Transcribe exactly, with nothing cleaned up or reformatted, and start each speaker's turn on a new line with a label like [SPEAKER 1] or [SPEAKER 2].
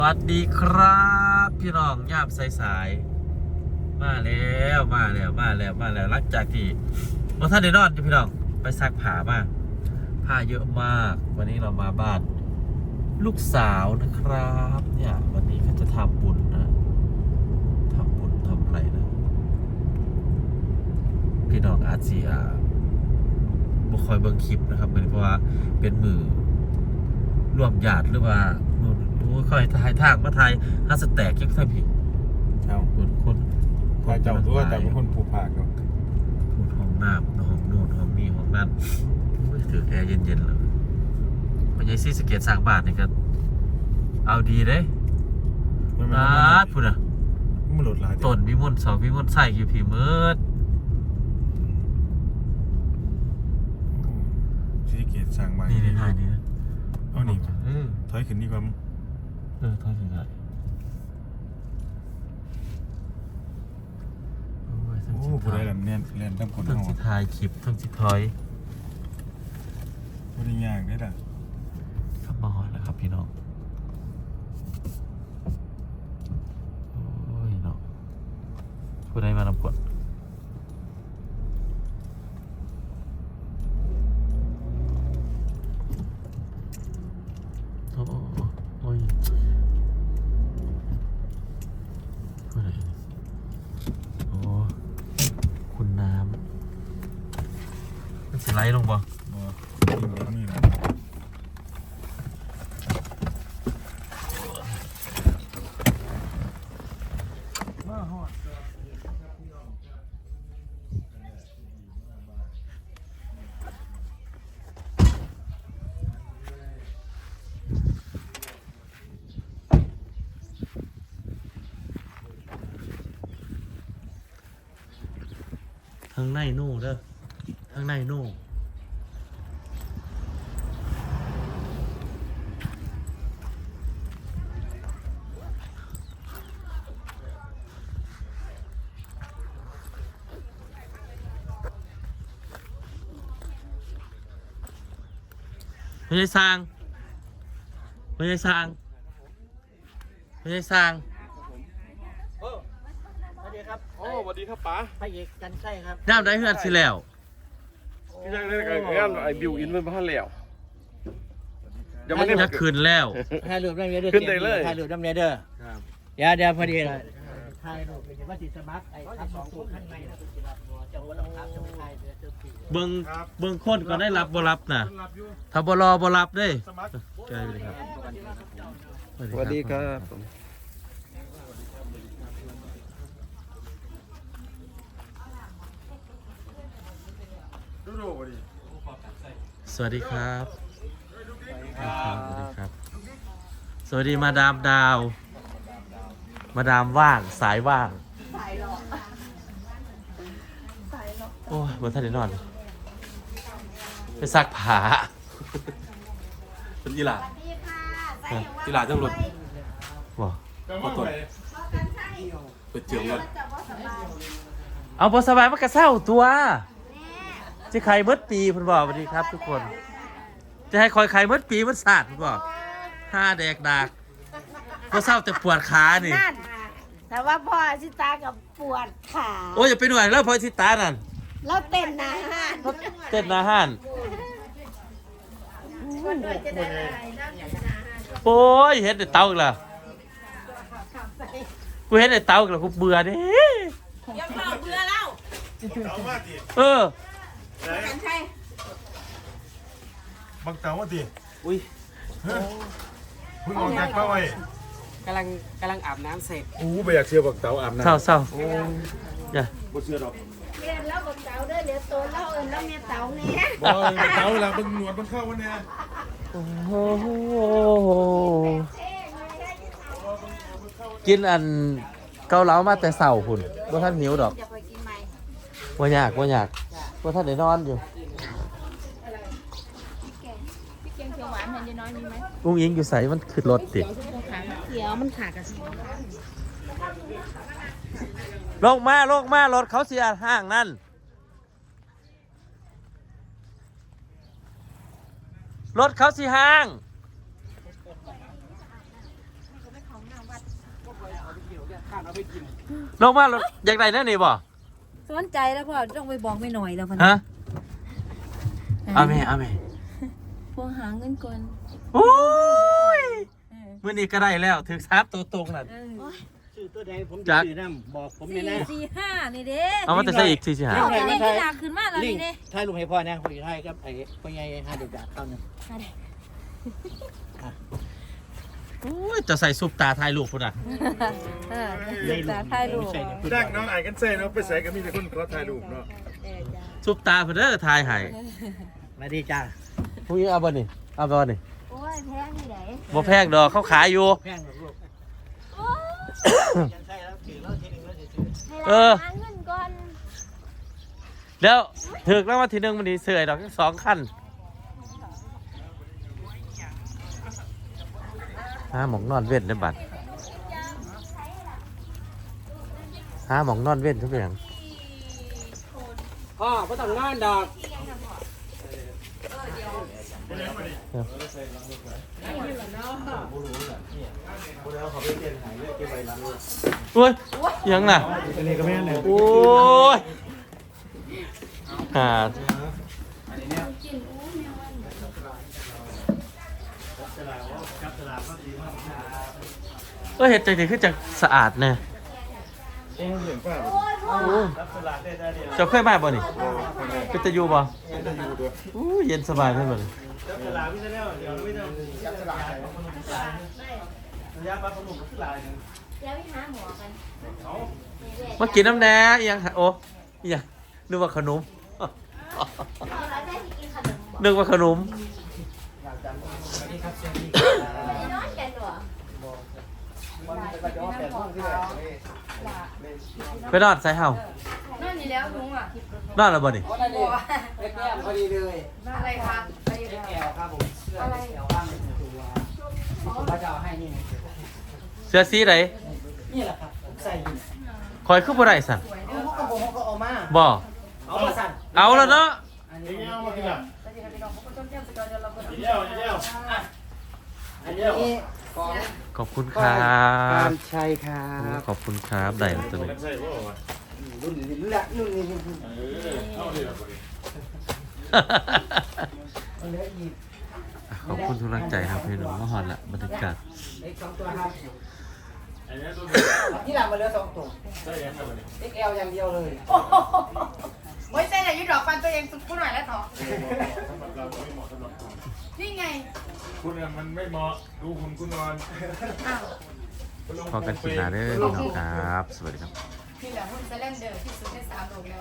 [SPEAKER 1] สวัสดีครับพี่น้องย่ามสายๆมาแล้วมาแล้วมาแล้วมาแล้วหลังจากที่เราท่านได้นอนอยู่พี่น้องไปซักผ้ามาผ้าเยอะมากวันนี้เรามาบ้านลูกสาวนะครับเนี่ยวันนี้เขาจะทำบุญนะทำบุญทำอะไรนะพี่น้องอาเซียบุคอยเบิ่งคลิปนะครับเพราะว่าเป็นมือร่วมญาติหรือว่าค่อยถ่ายทางมาถ่ายฮัสแตกยังท่านพี่
[SPEAKER 2] เจ้า
[SPEAKER 1] คนคนค
[SPEAKER 2] ถ้าน เจ้าตัวแต่เป็นคนผูกผากเนาะ
[SPEAKER 1] พูดห้องน้ำห้องโน่นห้องนี้ห้องนั่นถือแอร์เย็นๆเลยมันยังซีสเกตสร้างบ้านนี่ก็เอาดีเด้นะพูดอ่ะ
[SPEAKER 2] มันหลุดหลาย
[SPEAKER 1] ต้นวิมลสองวิมลใส่กี่ผีมืด
[SPEAKER 2] ซีเกตสั่งมา
[SPEAKER 1] นี่ในถ่ายนี้นะ
[SPEAKER 2] เอาหนี
[SPEAKER 1] เออ
[SPEAKER 2] ถอยขึ้นดีกว่า
[SPEAKER 1] เออถอยถึงได้โอ้ยทั้ง
[SPEAKER 2] โอ้
[SPEAKER 1] สิ
[SPEAKER 2] ผู้ใด
[SPEAKER 1] ถ่าย
[SPEAKER 2] ล่ะแน่นแน่นตั้งคน
[SPEAKER 1] ทั้ง
[SPEAKER 2] ห้อง
[SPEAKER 1] สิถ่ายคลิปทั้งสิถอย
[SPEAKER 2] ผู้ใดย่างได้ล่ะ
[SPEAKER 1] กลับมาหอดแล้วครับพี่น้องโอ้ยเนาะผู้ใดมานำกดโอ้โอ้ยผู้ใดโอ้คุณน้ำมันสิไล่ลงบ่
[SPEAKER 2] บ่ยิงแบบนี้นะมาฮอด
[SPEAKER 1] ทางในโน่เด้อทางในโน่ไม่ใช่สร้างไม่ใช่สร้างไม่ใช่สร้าง
[SPEAKER 3] สวัสดีครับ
[SPEAKER 4] โอ้สวัสดีครับป๋า
[SPEAKER 3] พระเอกกันไส้ครับ
[SPEAKER 1] น้ำได้เฮือนสิแล้ว
[SPEAKER 4] พี่ยังได้กับงานไอ้บิวอินเป็นพันแล้วเดี๋ยวมัน
[SPEAKER 1] จะคืนแล้ว
[SPEAKER 3] ถ่ายรูปน้ำเนเด้อ
[SPEAKER 4] ขึ้นได้เลย
[SPEAKER 3] ถ่ายรูปน้ำเนเด้อเดี๋ยวเดี๋ยวพอดีเลยถ่ายรูปเป็นว่าสิสมัครไอ้ทับสองตัวข้างในนะจะหัวต้องทับจะไม่ถ่ายเดี๋ยวจะปี
[SPEAKER 1] เบิ่งเบิ่งคนก็ได้รับบ่รับนะถ้าบ่รอบ่รับเด้ใช่เลยครับ
[SPEAKER 4] สวัสดีครับ
[SPEAKER 2] ดูดูบ่ดิ
[SPEAKER 1] สวัสดีครับสวัสดีครับสวัสดีครับ สวัสดีมาดามดาว มาดามว่างสายว่างโอ้ยบ่ทันได้นอนไปซักผ้าเป็นยีหล่ายีหล่าจังรถบ่
[SPEAKER 2] มาตรวจ
[SPEAKER 1] ไปเจียงรถเอาบ่สบายมันก็เศร้าตัวจะใครเมื่อปีเพิ่นบอกสวัสดีครับทุกคน จะให้คอยใครเมื่อปีมันสาดเพิ่นบอกห้าแดกดากบ่เศร้าแต่ปวดขานี่
[SPEAKER 5] นั่นแต่ว่าพ่อชิตากับปวดขา
[SPEAKER 1] โอ้ยอย่าไปหน่วยแล้วพอสิตานั่น
[SPEAKER 5] แล้วเต้นนะฮะ
[SPEAKER 1] เต้นอาหารโอ้ยเห็นแต่เตาอีกแล้วกูเห็นแต่เตาอีกแล้วกูเบื่อเด้
[SPEAKER 5] ยังเมาเบื่อแล้ว
[SPEAKER 2] เตามาดิ
[SPEAKER 1] เออ
[SPEAKER 5] กันใช่
[SPEAKER 2] บักเตามาดิ
[SPEAKER 3] อุ้ย
[SPEAKER 2] เฮ้ยเพิ่งออกจากเป้าไว้
[SPEAKER 3] กำลังกำลังอาบน้ำเสร็จ
[SPEAKER 2] อู้ไปอยากเชื่อบักเตาอาบน้ำ
[SPEAKER 1] เศร้าเศร้าอย่า
[SPEAKER 2] บ่เชื่อดอก
[SPEAKER 5] เรียนแล้วบอกเต๋าเด้อเดี๋ยวโตแล้วเอิญแล้วเมียเต๋าเนี่ย
[SPEAKER 2] บ่บักเตาเวลาเบิ่งหนวดมันเข้าวันเนี้ย
[SPEAKER 1] โอ้โหกินอันเกาเหลามาแต่เสาหุ่นว่าท่านหิวดอก
[SPEAKER 5] จะไปกินไหม
[SPEAKER 1] ว่าอยากว่าอยากว่าท่านได้นอนอยู่
[SPEAKER 5] พี่เกียงเขียวหวานเห็นยายน้อยมีไหม
[SPEAKER 1] กุ้งยิงอยู่ใส่มันขึ้นรถติด
[SPEAKER 5] เขียวมันขาดกระสี
[SPEAKER 1] ลงมาลงมารถเขาเสียห้างนั่น รถเขาสิห้าง
[SPEAKER 5] เ
[SPEAKER 1] ลงมารถอยากได้แน่นี่บ่
[SPEAKER 5] สนใจแล้วพ่อต้องไปบอกไม่หน่อยแล้วพ่อ
[SPEAKER 1] ฮะเอาแม่เอาแม่
[SPEAKER 5] พวกหาเงินก่อน
[SPEAKER 1] โอ้ยมื้อนี้ก็ได้แล้วถึงซับตัวตรงนั่น
[SPEAKER 3] ชื่อตัวใดผม
[SPEAKER 1] จั
[SPEAKER 3] จะ
[SPEAKER 1] ก
[SPEAKER 3] ชื่อน้ำบอกผม
[SPEAKER 5] สี่
[SPEAKER 3] เนี่ยนะ
[SPEAKER 5] สี่ห้านี่เด้
[SPEAKER 1] เอามาแต่ใส่อีกสี่สิหา
[SPEAKER 5] เอาแต่เลขที่หนักขึ้นมาแล้ว
[SPEAKER 3] ลิง
[SPEAKER 5] นี่เด้
[SPEAKER 3] ถ่ายรูปให้พ่อนะพ่อจะถ่ายกับไอ้พ่อใหญ่ห้าเด็กดักเข้าหนึ่ง
[SPEAKER 1] โอ้ยจะใส่ซุปตาถ่ายรูปพุ่นน่ะ
[SPEAKER 5] เออศึกษาถ่ายรูป
[SPEAKER 2] แจ้งน้องไอ้กันเซ่เนาะไปใส่ก็มีแต่คนขอถ่ายรูปเนาะ
[SPEAKER 1] ซุปตาเพิ่นเด้อถ่ายให้
[SPEAKER 3] มาดีจ้า
[SPEAKER 1] ผู้หญิงเอาบ่นี่เอาบ่นี่
[SPEAKER 5] โอ้ยแพงที่ไหน
[SPEAKER 1] บ่แพงดอกเขาขายอยู่
[SPEAKER 3] แพงกว่าลูกยังใช่แล้วถือแล้วทีนึงแล้วจะซื้อ
[SPEAKER 1] เออ
[SPEAKER 5] หาเงินก่อน
[SPEAKER 1] แล้วถึกแล้ววันที่หนึ่งมันนี่เสื่อยดอกทั้งสองขั้นหาหมองนอนเว้นได้บัดหาหมองนอนเว้นทุกอย่าง
[SPEAKER 3] พ่อไม่ต้องนอนดอก
[SPEAKER 1] โอ้ยยังน่ะ
[SPEAKER 3] อันนี้ก็ไม่ได้
[SPEAKER 1] โอ้ยหาก็เห็ดใจดีขึ้นจากสะอาดเนี่ย
[SPEAKER 2] โอ้เห็นป่ะ
[SPEAKER 1] เจ้าเคยมาบ่นี่ก็จะอยู่บ่
[SPEAKER 2] จะอยู่ตัว
[SPEAKER 1] อู้เย็นสบายเพื่อนบ่นี่
[SPEAKER 5] เดี๋ยวไปหาหมอกัน
[SPEAKER 1] มากินน้ำแหน่อิหยังโอ้อิหยังนึกว่าขนม
[SPEAKER 5] เราได้กินขนมบ่
[SPEAKER 1] นึกว่าขนม
[SPEAKER 5] นอนกันหรอ
[SPEAKER 1] ไปนอนใส่เฮา
[SPEAKER 5] นั่นนี่แล้วลุงอ่ะ
[SPEAKER 1] นอนแล้วบ่นี่
[SPEAKER 3] เล็กแก้มพอดีเลย
[SPEAKER 5] อะไรคะ
[SPEAKER 3] เล็กแก้วครับผมเสื้อเล็กแก้วว่างในตัวผมจะเอาให้นี่
[SPEAKER 1] เสื้อสีไหน
[SPEAKER 3] นี่แหละครับใส่อยู่
[SPEAKER 1] คอยคือบ่ได้สั่น
[SPEAKER 3] เขาก็บอกเขาก็เอามา
[SPEAKER 1] บ่
[SPEAKER 3] เอามาสั่น
[SPEAKER 1] เอาแล้วเนาะ
[SPEAKER 3] อัน
[SPEAKER 2] เอ็
[SPEAKER 3] นี้
[SPEAKER 2] งเอามาทีหลัง
[SPEAKER 3] อันนี้
[SPEAKER 2] เดียวเดียว
[SPEAKER 3] อันนี้ของ
[SPEAKER 1] ขอบคุณครับ
[SPEAKER 3] การชัยครับ
[SPEAKER 1] ขอบคุณครับได้แล้วตัวนี้
[SPEAKER 2] กันใส่ป่าวะ
[SPEAKER 3] รุ่นนี้ละรุ่นนี้รุ่นนี้
[SPEAKER 2] เออเอาเลยละ
[SPEAKER 3] มันเหลืออีก
[SPEAKER 1] ขอบคุณทุกกำลังใจครับพี่น้องมาฮอดละบรรยากาศ
[SPEAKER 3] เล็กสองตัวครับ
[SPEAKER 2] ไอ้เนี่ยตัว
[SPEAKER 3] ที่หลังมันเหลือสองตัว
[SPEAKER 2] ใส่ยังไงวะนี่
[SPEAKER 3] เล็กแอลอย่างเดียวเลย
[SPEAKER 6] ไม่ใช่แต่ยุดดอกฟันตัวเองสุดกูหน่อยแล้วเถอะ
[SPEAKER 2] สำหรับเราไม่เหมาะสำหรับคุณ
[SPEAKER 6] นี่ไง
[SPEAKER 2] คุณเนี่ยมันไม่เหมาะดูคุณคุณนอน
[SPEAKER 1] พอกันคลิปหน้าเด้อพี่น้องครับ สวัสดีครับ
[SPEAKER 6] นี่แหละหุ้นเซเลนเดอร์ที่สุดในสามโลกแล้ว